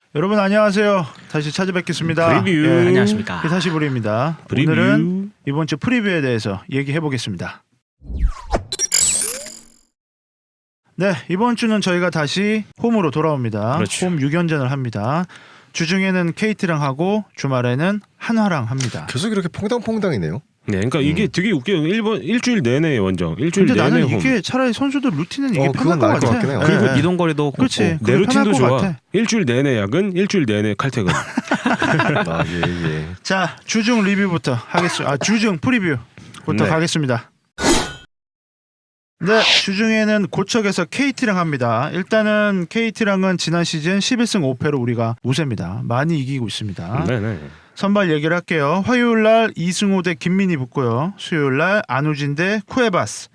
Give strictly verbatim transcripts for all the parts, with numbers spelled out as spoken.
여러분 안녕하세요. 다시 찾아뵙겠습니다. 프리뷰. 예, 안녕하십니까. 히사시부리입니다. 프리뷰. 오늘은 이번 주 프리뷰에 대해서 얘기해 보겠습니다. 네, 이번 주는 저희가 다시 홈으로 돌아옵니다. 그렇죠. 홈 육 연전을 합니다. 주중에는 케이티랑 하고 주말에는 한화랑 합니다. 계속 이렇게 퐁당퐁당이네요. 네, 그러니까 이게 되게 웃겨요. 일본 일주일 내내 원정, 일주일 근데 내내 나는 홈. 이게 차라리 선수들 루틴은 이게 어, 편할 그건 것 나을 것 같아. 같긴 해요. 그리고 예, 예. 이동거리도 그렇지. 걷고. 내 그게 루틴도 편할 것 좋아. 같아. 일주일 내내 야근, 일주일 내내 칼퇴근. 아, 예, 예. 자, 주중 리뷰부터 하겠습니다. 아, 주중 프리뷰부터 네. 가겠습니다. 네, 주중에는 고척에서 케이티랑 합니다. 일단은 케이티랑은 지난 시즌 십일 승 오 패로 우리가 우세입니다. 많이 이기고 있습니다. 네네. 선발 얘기를 할게요. 화요일날 이승호 대 김민희 붙고요. 수요일날 안우진 대 쿠에바스.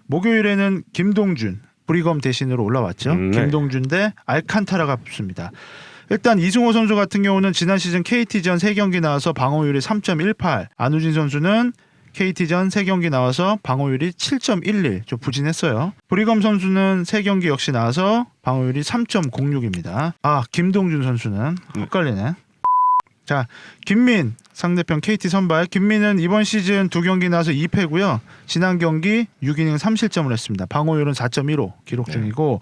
목요일에는 김동준, 브리검 대신으로 올라왔죠. 음, 네. 김동준 대 알칸타라가 붙습니다. 일단 이승호 선수 같은 경우는 지난 시즌 케이티전 세 경기 나와서 방어율이 삼 점 일팔. 안우진 선수는 케이티전 세 경기 나와서 방어율이 칠 점 일일. 좀 부진했어요. 브리검 선수는 세 경기 역시 나와서 방어율이 삼 점 공육입니다. 아, 김동준 선수는 헷갈리네. 자, 김민 상대편 케이티 선발. 김민은 이번 시즌 두 경기 나와서 이 패고요. 지난 경기 육 이닝 삼 실점을 했습니다. 방어율은 사 점 일오 기록 중이고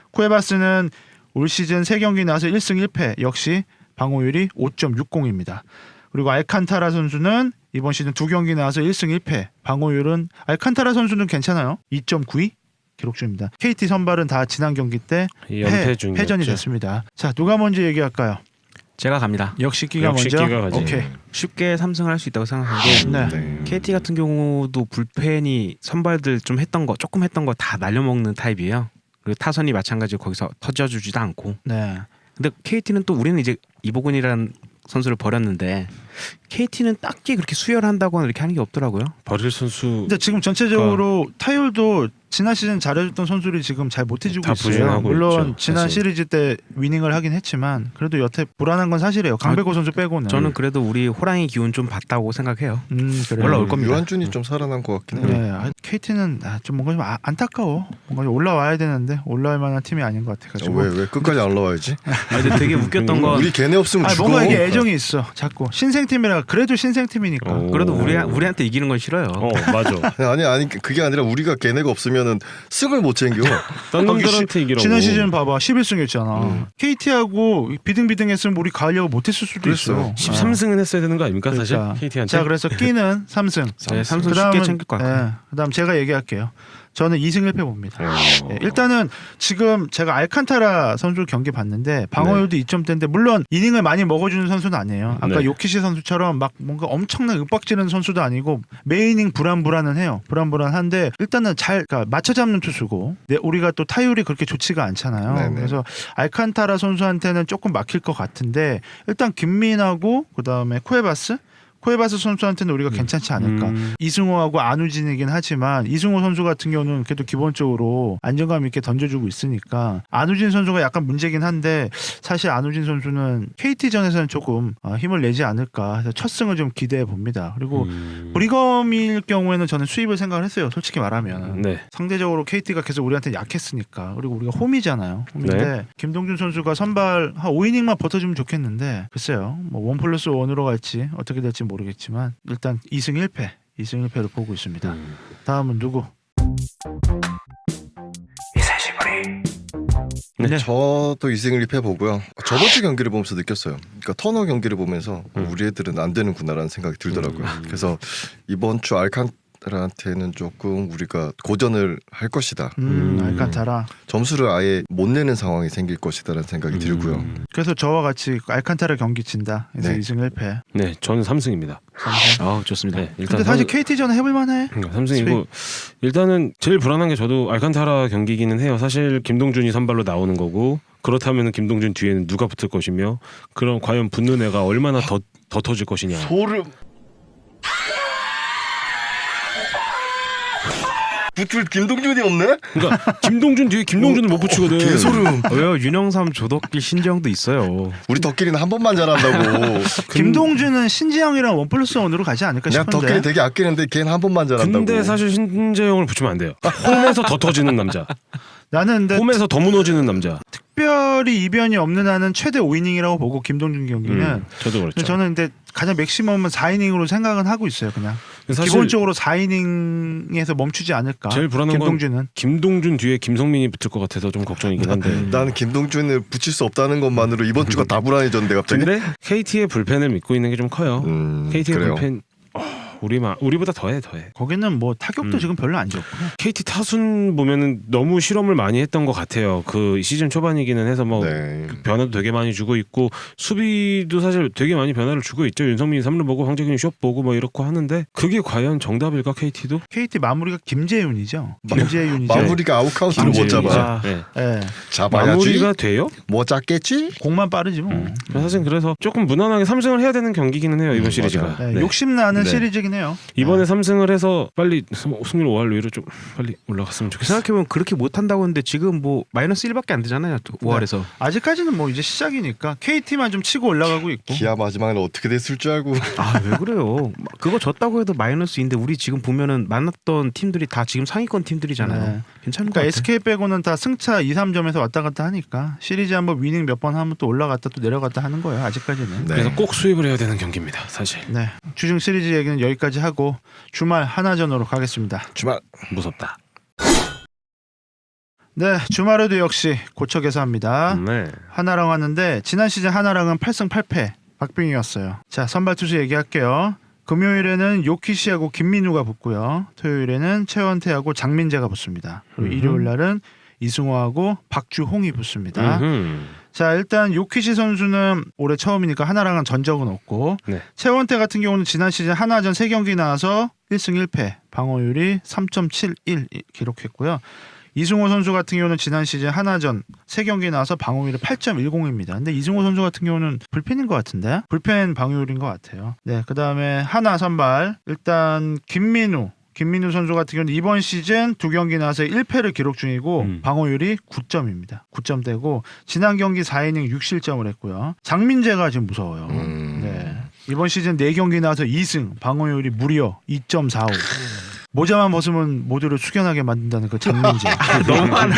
쿠에바스는 올 시즌 세 경기 나와서 일 승 일 패 역시 방어율이 오 점 육공입니다. 그리고 알칸타라 선수는 이번 시즌 두 경기 나와서 일 승 일 패 방어율은 알칸타라 선수는 괜찮아요. 이 점 구이 기록 중입니다. 케이티 선발은 다 지난 경기 때 연패 패, 중이었죠. 패전이 됐습니다. 자, 누가 먼저 얘기할까요? 제가 갑니다. 역시 끼가 역시 먼저. 끼가 가지. 오케이. 쉽게 삼승을 할 수 있다고 생각하고 네. 네. 케이티 같은 경우도 불펜이 선발들 좀 했던 거 조금 했던 거 다 날려먹는 타입이에요. 그리고 타선이 마찬가지로 거기서 터져주지도 않고. 네. 근데 케이티는 또 우리는 이제 이보근이라는 선수를 버렸는데 케이티는 딱히 그렇게 수혈한다거나 이렇게 하는 게 없더라고요. 버릴 선수 근데 지금 전체적으로 타율도 지난 시즌 잘해줬던 선수들이 지금 잘 못해주고 다 있어요. 부진하고 물론 있죠, 지난 사실. 시리즈 때 위닝을 하긴 했지만 그래도 여태 불안한 건 사실이에요. 강백호 선수 빼고는. 저는 그래도 우리 호랑이 기운 좀 봤다고 생각해요. 음, 그래요. 올라올 겁니다. 유한준이 좀 살아난 것 같긴 해요. 네, 아, 케이티는 아, 좀 뭔가 좀 아, 안타까워. 뭔가 좀 올라와야 되는데 올라올 만한 팀이 아닌 것 같아가지고. 왜 왜 끝까지 안 올라와야지? 아, 근데 되게 웃겼던 건 우리 걔네 없으면 아, 죽어. 뭔가 이게 애정이 있어. 자꾸 신생팀이라 그래도 신생팀이니까. 어. 그래도 우리 우리한테 이기는 건 싫어요. 어 맞아. 아니 아니 그게 아니라 우리가 걔네가 없으면은 승을 못 챙겨. 딴 아, 놈들한테 이기라고. 지난 시즌 봐봐 십일 승했잖아. 음. 케이티하고 비등비등했으면 우리 가려고 못했을 수도 그랬어요. 있어. 십삼 승은 했어야 되는 거 아닙니까 사실? 그러니까. 케이티한테. 자, 그래서 끼는 삼 승. 네, 삼승 그다음은- 쉽게 챙길 것 같아요. 예, 그다음 제가 얘기할게요. 저는 이 승 일 패 봅니다. 어. 예, 일단은 지금 제가 알칸타라 선수 경기 봤는데 방어율도 이 점대인데 물론 이닝을 많이 먹어주는 선수는 아니에요. 아까 네. 요키시 선수처럼 막 뭔가 엄청난 윽박지르는 선수도 아니고 매 이닝 불안불안은 해요. 불안불안한데 일단은 잘 그러니까 맞춰 잡는 투수고 네, 우리가 또 타율이 그렇게 좋지가 않잖아요. 네네. 그래서 알칸타라 선수한테는 조금 막힐 것 같은데 일단 김민하고 그다음에 쿠에바스 쿠에바스 선수한테는 우리가 괜찮지 않을까. 음. 이승호하고 안우진이긴 하지만 이승호 선수 같은 경우는 그래도 기본적으로 안정감 있게 던져주고 있으니까 안우진 선수가 약간 문제긴 한데 사실 안우진 선수는 케이티전에서는 조금 어, 힘을 내지 않을까 해서 첫 승을 좀 기대해 봅니다. 그리고 음. 브리검일 경우에는 저는 수입을 생각을 했어요. 솔직히 말하면. 네. 상대적으로 케이티가 계속 우리한테 약했으니까. 그리고 우리가 홈이잖아요. 홈인데 네. 김동준 선수가 선발 한 오 이닝만 버텨주면 좋겠는데 글쎄요. 뭐 원 플러스 원으로 갈지 어떻게 될지 모르겠지만 일단 이 승 일 패. 이 승 일 패로 보고 있습니다. 음. 다음은 누구? 네. 저도 이승을 입해 보고요. 저번 주 경기를 보면서 느꼈어요. 그러니까 터너 경기를 보면서 음. 우리 애들은 안 되는구나라는 생각이 들더라고요. 음. 그래서 이번 주 알칸타라한테는 조금 우리가 고전을 할 것이다. 음, 음. 알칸타라. 점수를 아예 못 내는 상황이 생길 것이다라는 생각이 들고요. 음. 그래서 저와 같이 알칸타라 경기 친다. 그래서 네. 이 승 일 패. 네, 저는 삼 승입니다. 아, 좋습니다. 네, 일단 근데 사실 삼- 케이티전 해볼만해. 그러니까 삼승이고 일단은 제일 불안한 게 저도 알칸타라 경기기는 해요. 사실 김동준이 선발로 나오는 거고 그렇다면 김동준 뒤에는 누가 붙을 것이며 그럼 과연 붙는 애가 얼마나 더, 더 터질 것이냐. 소름. 붙을 김동준이 없네? 그러니까 김동준 뒤에 김동준을 못 붙이거든. 개소름. 어, 왜요? 윤영삼 조덕길 신지영도 있어요. 우리 덕길이는 한 번만 잘한다고. 김동준은 신지영이랑 원 플러스 원으로 가지 않을까 내가 싶은데. 덕길이 되게 아끼는데 걔는 한 번만 잘한다고. 근데 사실 신재영을 붙이면 안 돼요. 홈에서 더 터지는 남자. 나는 근데 홈에서 더 무너지는 남자. 특별히 해처리 이변이 없는 한은 최대 오 이닝이라고 보고 김동준 경기는 음, 저도 그렇죠. 근데 저는 근데 가장 맥시멈은 사 이닝으로 생각은 하고 있어요. 그냥 사실 기본적으로 사 이닝에서 멈추지 않을까. 제일 불안한 건 김동준은 김동준 뒤에 김성민이 붙을 것 같아서 좀 걱정이긴 한데. 나는 김동준을 붙일 수 없다는 것만으로 이번 주가 다 불안해졌는데 갑자기. 근데 케이티의 불펜을 믿고 있는 게 좀 커요. 음, 케이티의 그래요. 불펜 어, 우리만 우리보다 더해 더해. 거기는 뭐 타격도 음. 지금 별로 안 좋고. 케이티 타순 보면은 너무 실험을 많이 했던 것 같아요. 그 시즌 초반이기는 해서 뭐 네. 변화도 되게 많이 주고 있고 수비도 사실 되게 많이 변화를 주고 있죠. 윤성민이 삼 루 보고 황재균이 숏 보고 뭐 이렇고 하는데 그게 과연 정답일까 케이티도? 케이티 마무리가 김재윤이죠. 김재윤이죠. 마무리가 아웃카운트를 못 잡아. 네. 예. 잡아야지. 마무리가 돼요? 뭐 잡겠지? 공만 빠르지 뭐. 음. 사실 그래서 조금 무난하게 삼 승을 해야 되는 경기기는 해요. 이번 음, 시리즈가. 맞아요. 네, 네. 욕심 나는 네. 시리즈긴 해요. 이번에 네. 삼 승을 해서 빨리 승률 오 할로 위로 좀 빨리 올라갔으면 좋겠어요. 생각해보면 그렇게 못한다고 했는데 지금 뭐 마이너스 일밖에 안 되잖아요. 오 할에서. 아직까지는 뭐 이제 시작이니까 케이티만 좀 치고 올라가고 있고. 기아 마지막에 어떻게 됐을 줄 알고. 아 왜 그래요? 그거 졌다고 해도 마이너스인데 우리 지금 보면은 만났던 팀들이 다 지금 상위권 팀들이잖아요. 네. 괜찮은 것 그러니까 같아요. 에스케이 빼고는 다 승차 이, 삼 점에서 왔다 갔다 하니까 시리즈 한번 위닝 몇 번 하면 또 올라갔다 또 내려갔다 하는 거예요. 아직까지는. 네. 그래서 꼭 수입을 해야 되는 경기입니다. 사실 네. 주중 시리즈 얘기는 여기까지 하고 주말 하나전으로 가겠습니다. 주말. 무섭다. 네, 주말에도 역시 고쳐 개사합니다. 네. 하나랑 왔는데 지난 시즌 하나랑은 팔 승 팔 패 박빙이었어요. 자, 선발 투수 얘기할게요. 금요일에는 요키시하고 김민우가 붙고요. 토요일에는 최원태하고 장민재가 붙습니다. 그리고 음흠. 일요일 날은 이승호하고 박주홍이 붙습니다. 음흠. 자, 일단 요키시 선수는 올해 처음이니까 하나랑은 전적은 없고 네. 최원태 같은 경우는 지난 시즌 하나전 세 경기 나와서 일 승 일 패, 방어율이 삼 점 칠일 기록했고요. 이승호 선수 같은 경우는 지난 시즌 하나전 세 경기 나와서 방어율이 팔 점 일공입니다. 근데 이승호 선수 같은 경우는 불펜인 것 같은데 불펜 방어율인 것 같아요. 네, 그 다음에 하나 선발 일단 김민우 김민우 선수 같은 경우는 이번 시즌 두 경기 나와서 일 패를 기록 중이고 음. 방어율이 구 점입니다. 구 점대고 지난 경기 사 이닝 육 실점을 했고요. 장민재가 지금 무서워요. 음. 네. 이번 시즌 네 경기 나와서 이 승 방어율이 무려 이 점 사오. 모자만 벗으면 모두를 숙연하게 만든다는 그 장민재. 너무 많아.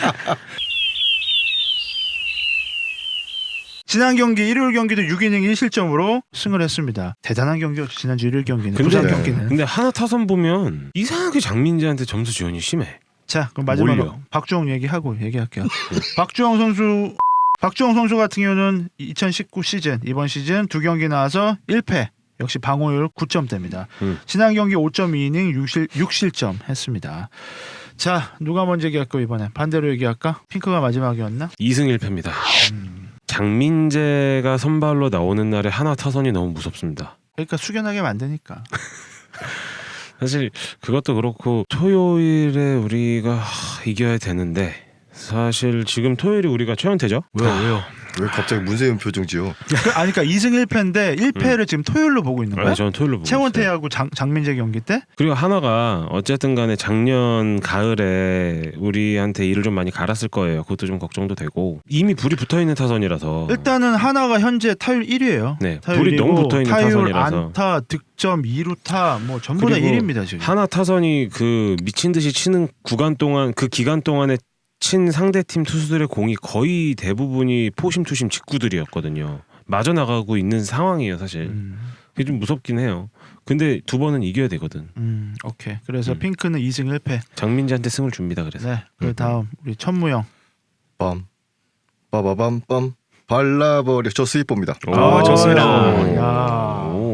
지난 경기 일요일 경기도 육 이닝 일 실점으로 승을 했습니다. 대단한 경기였죠. 지난주 일요일 경기는. 근데- 부산 네. 경기는. 근데 하나 타선 보면 이상하게 장민재한테 점수 지원이 심해. 자, 그럼 마지막으로 몰려. 박주영 얘기하고 얘기할게요. 박주영 선수 박주영 선수 같은 경우는 이천십구 시즌 이번 시즌 두 경기 나와서 일 패. 역시 방어율 구 점대입니다. 음. 지난 경기 오 점 이 이닝 육, 실, 육 실점 했습니다. 자, 누가 먼저 얘기할까 이번에? 반대로 얘기할까? 핑크가 마지막이었나? 이 승 일 패입니다. 음, 장민재가 선발로 나오는 날에 하나 타선이 너무 무섭습니다. 그러니까 숙연하게 만드니까. 사실 그것도 그렇고 토요일에 우리가 하, 이겨야 되는데 사실 지금 토요일이 우리가 최연태죠? 왜요 왜요? 왜 갑자기 문세윤 표정 지어? 그, 아니 그러니까 이 승 일 패인데 일 패를 지금 토요일로 보고 있는 거야? 네, 저는 토요일로 보고 있어요. 최원태하고 장, 장민재 경기 때? 그리고 하나가 어쨌든 간에 작년 가을에 우리한테 일을 좀 많이 갈았을 거예요. 그것도 좀 걱정도 되고 이미 불이 붙어있는 타선이라서 일단은 하나가 현재 타율 일 위예요. 네, 불이 너무 붙어있는 타율, 타선이라서 안타, 득점, 이 루타 뭐 전부 다 그리고 일 위입니다 지금. 하나 타선이 그 미친 듯이 치는 구간 동안 그 기간 동안에 친 상대팀 투수들의 공이 거의 대부분이 포심투심 직구들이었거든요. 맞아 나가고 있는 상황이에요, 사실. 음, 그게 좀 무섭긴 해요. 근데 두 번은 이겨야 되거든. 음, 오케이. 그래서 음. 핑크는 이 승 일 패. 장민재한테 승을 줍니다. 그래서 네. 그 다음 우리 천무영. 빰 빠바밤 빰 발라버려. 저 스위퍼입니다. 아, 좋습니다. 야. 오.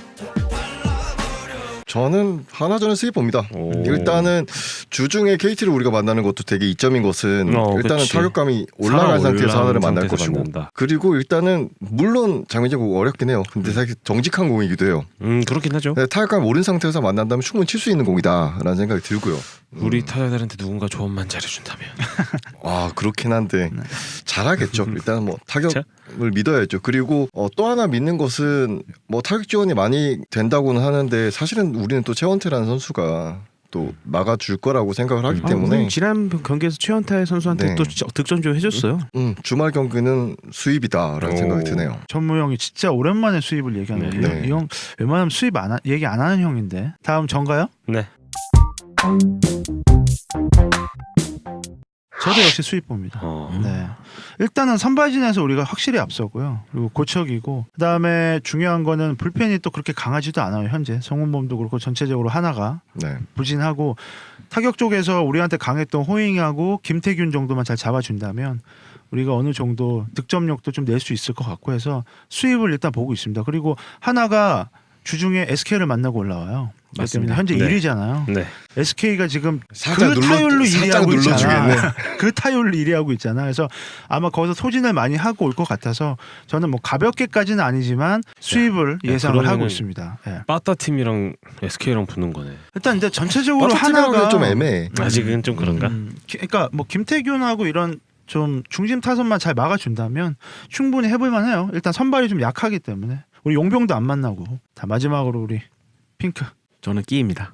저는 하나전은 스위퍼입니다. 오. 일단은 주중에 케이티를 우리가 만나는 것도 되게 이점인 것은 어, 일단은 그치. 타격감이 올라간 상태에서 하나를 만날 상태에서 것이고 만난다. 그리고 일단은 물론 장민재 공 어렵긴 해요. 근데 사실 정직한 공이기도 해요. 음 그렇긴 하죠. 네, 타격감 오른 상태에서 만난다면 충분히 칠 수 있는 공이다라는 생각이 들고요. 우리 타자들한테 누군가 조언만 잘해준다면. 아 그렇긴 한데 네. 잘하겠죠. 일단 뭐 타격을 자. 믿어야죠. 그리고 어, 또 하나 믿는 것은 뭐 타격 지원이 많이 된다고는 하는데 사실은 우리는 또 최원태라는 선수가 또 막아줄 거라고 생각을 하기 아, 때문에 우리 지난 경기에서 최원태 선수한테 네. 또 진짜 득점 좀 해줬어요. 음, 주말 경기는 수입이다라는 오. 생각이 드네요. 천무영이 진짜 오랜만에 수입을 얘기하는 네. 거예요. 네. 이 형 웬만하면 수입 안 하, 얘기 안 하는 형인데. 다음 전가요? 네. 저도 역시 수입 봅니다. 어. 네. 일단은 선발진에서 우리가 확실히 앞서고요. 그리고 고척이고 그다음에 중요한 거는 불펜이 또 그렇게 강하지도 않아요. 현재 성훈범도 그렇고 전체적으로 하나가 네. 부진하고 타격 쪽에서 우리한테 강했던 호잉하고 김태균 정도만 잘 잡아준다면 우리가 어느 정도 득점력도 좀 낼 수 있을 것 같고 해서 수입을 일단 보고 있습니다. 그리고 하나가 주중에 에스케이를 만나고 올라와요. 그렇기 때문에 맞습니다. 현재 네. 일 위잖아요. 네. 에스케이가 지금 살짝 그 눌러- 타율로 일 살짝 위하고 있잖아. 눌러주겠네. 그 타율로 일 위하고 있잖아. 그래서 아마 거기서 소진을 많이 하고 올 것 같아서 저는 뭐 가볍게까지는 아니지만 수입을 야, 예상을 하고 그러면은 있습니다. 예. 빠따 팀이랑 에스케이랑 붙는 거네. 일단 이제 전체적으로 하나가 하나가 좀 애매해. 아직은 좀 그런가? 음, 기- 그러니까 뭐 김태균하고 이런 좀 중심 타선만 잘 막아준다면 충분히 해볼만해요. 일단 선발이 좀 약하기 때문에 우리 용병도 안 만나고. 자 마지막으로 우리 핑크. 저는 끼입니다.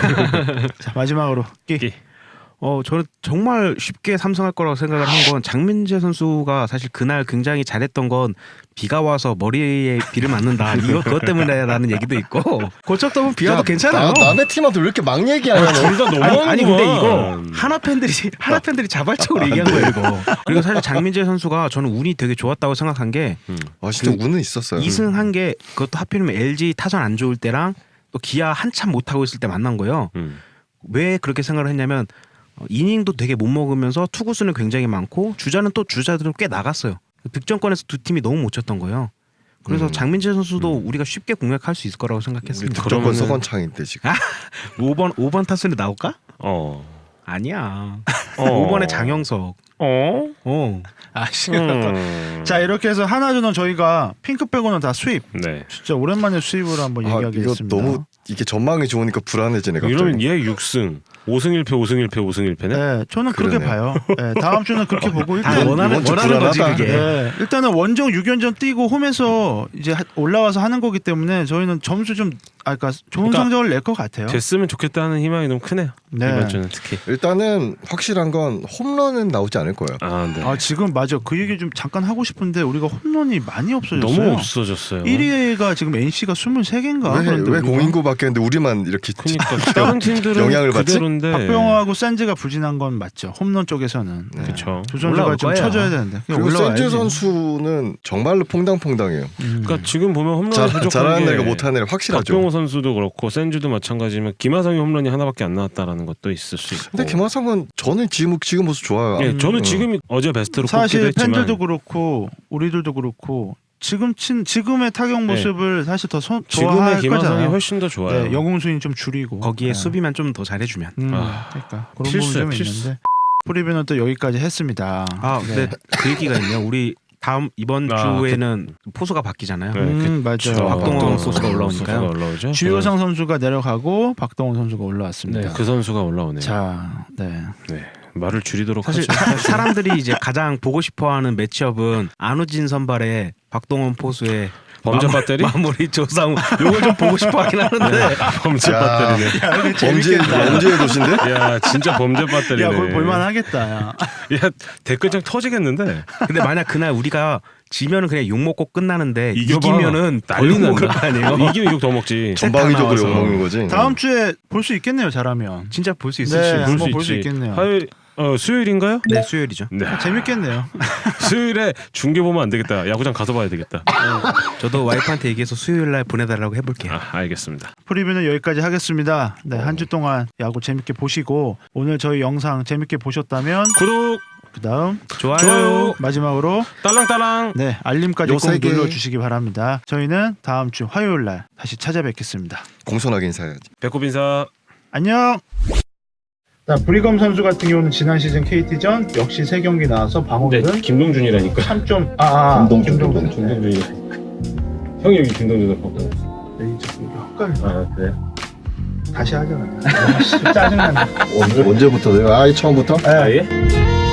자 마지막으로 끼. 끼. 어 저는 정말 쉽게 삼성할 거라고 생각을 한 건 장민재 선수가 사실 그날 굉장히 잘했던 건 비가 와서 머리에 비를 맞는다 이거 그것 때문에라는 얘기도 있고 고척도 보면 비 와도 야, 괜찮아요. 나, 남의 팀한테 왜 이렇게 막 얘기하냐 너. 둘 다 아니, 너무하는 아니 거야. 근데 이거 하나 팬들이 하나 팬들이 자발적으로 얘기한 거예요 이거. 그리고 사실 장민재 선수가 저는 운이 되게 좋았다고 생각한 게 음. 아 진짜 그 운은 있었어요. 이승한 게 그것도 하필이면 엘지 타선 안 좋을 때랑 또 기아 한참 못 하고 있을 때 만난 거예요. 음. 왜 그렇게 생각을 했냐면 어, 이닝도 되게 못 먹으면서 투구수는 굉장히 많고 주자는 또 주자들은 꽤 나갔어요. 득점권에서 두 팀이 너무 못 쳤던 거예요. 그래서 음. 장민재 선수도 우리가 쉽게 공략할 수 있을 거라고 우리 생각했습니다. 득점권 그러면은- 서건창인데 지금. 오 번 오 번 타순에 나올까? 어. 아니야. 어. 오 번에 장영석. 어? 어. 아씨. 음. 자 이렇게 해서 하나주는 저희가 핑크 빼고는 다 수입. 네. 진짜 오랜만에 수입을 한번 아, 얘기하겠습니다. 이거 너무 이게 전망이 좋으니까 불안해지네 갑자기. 이러면 얘 육 승, 오 승 일 패, 오 승 일 패, 오 승 일 패네. 네, 저는 그렇게 그러네요. 봐요. 네, 다음 주는 그렇게 보고 다 일단 원하는 이번 주 원하는 거지 불안하다. 그게. 네, 일단은 원정 육 연전 뛰고 홈에서 이제 하- 올라와서 하는 거기 때문에 저희는 점수 좀 아, 그러니까 좋은 그러니까 성적을 낼 것 같아요. 됐으면 좋겠다는 희망이 너무 크네요. 네. 이번 주는 특히. 일단은 확실한 건 홈런은 나오지 않을 거예요. 아, 네. 아 지금 맞아 그 얘기 좀 잠깐 하고 싶은데 우리가 홈런이 많이 없어졌어요. 너무 없어졌어요. 일 위가 지금 엔씨가 스물세 개인가? 왜, 왜 공인구 바뀌었는데 우리만 이렇게 그러니까 다른 팀들은 영향을 받지? 그대로인데. 박병호하고 산즈가 부진한 건 맞죠. 홈런 쪽에서는 네. 그렇죠. 두 선수가 올라올 좀 거예요. 쳐줘야 되는데 그냥 그리고 올라와야지. 센즈 선수는 정말로 퐁당퐁당해요. 음. 그러니까 지금 보면 홈런 잘, 부족한 잘하는 게 애가 못하는 애가 확실하죠. 박병호 선수도 그렇고 센주도 마찬가지지만 김하성이 홈런이 하나밖에 안 나왔다라는 것도 있을 수 있고. 근데 김하성은 저는 지금 지금 모습 좋아요. 예, 저는 어. 지금 어제 베스트로 사실 꼽기도 했지만 팬들도 그렇고 우리들도 그렇고 지금 친 지금의 타격 모습을 사실 더 선, 지금의 좋아할 김하성이 거잖아요. 훨씬 더 좋아요. 네, 영웅 수인 좀 줄이고 거기에 네. 수비만 좀 더 잘해주면. 음, 아, 그러니까 그런 필수야, 부분이 좀 필수. 있는데 프리뷰는 또 여기까지 했습니다. 아, 근데 그 얘기가 있네요. 우리 다음 이번 아, 주에는 포수가 바뀌잖아요. 네, 음, 그쵸. 맞아요. 박동원 박동원 선수가 올라오니까요. 선수가 올라오죠. 주효상 선수가 내려가고 박동원 선수가 올라왔습니다. 네, 그 선수가 올라오네요. 자, 네. 네, 말을 줄이도록 사실 하죠. 사- 사람들이 이제 가장 보고 싶어하는 매치업은 안우진 선발의 박동원 포수의 범죄 마무- 배터리? 마무리 조상우 요걸 좀 보고 싶어하긴 하는데 범죄 야. 배터리네. 범죄 범죄의 도시인데? 야, 진짜 범죄 배터리네. 야, 볼 볼만하겠다. 야. 야, 댓글창 터지겠는데. 근데 만약 그날 우리가 지면은 그냥 욕 먹고 끝나는데 이겨봐. 이기면은 난리 난리 먹을 난다. 거 아니에요. 이기면 욕 더 먹지. 전방위적으로 나와서. 욕먹는 거지. 다음 주에 볼 수 있겠네요. 잘하면. 진짜 볼 수 있을 네. 수 있어요. 한번 볼수 있겠네요. 화요일, 어, 수요일인가요? 네, 수요일이죠. 네. 재밌겠네요. 수요일에 중계 보면 안 되겠다. 야구장 가서 봐야 되겠다. 저도 와이프한테 얘기해서 수요일 날 보내달라고 해볼게요. 아, 알겠습니다. 프리뷰는 여기까지 하겠습니다. 네, 한 주 동안 야구 재밌게 보시고 오늘 저희 영상 재밌게 보셨다면 구독, 그다음 좋아요. 좋아요. 마지막으로 딸랑딸랑. 네, 알림까지 요 꼭 세 개. 눌러 주시기 바랍니다. 저희는 다음 주 화요일 날 다시 찾아뵙겠습니다. 공손하게 인사해야지. 배꼽 인사. 안녕. 자, 브리검 선수 같은 경우는 지난 시즌 케이티전 역시 세 경기 나와서 방어율은 김동준이라니까. 삼 점 아, 아 김동준, 김동준. 김동준이. 형이 여기 김동준을 보고. 네, 저 이거 헛갈려. 아, 그래? 다시 하잖아. 아, 씨, 짜증나네. 언제 언제부터 내가 아예 처음부터? 네. 아예?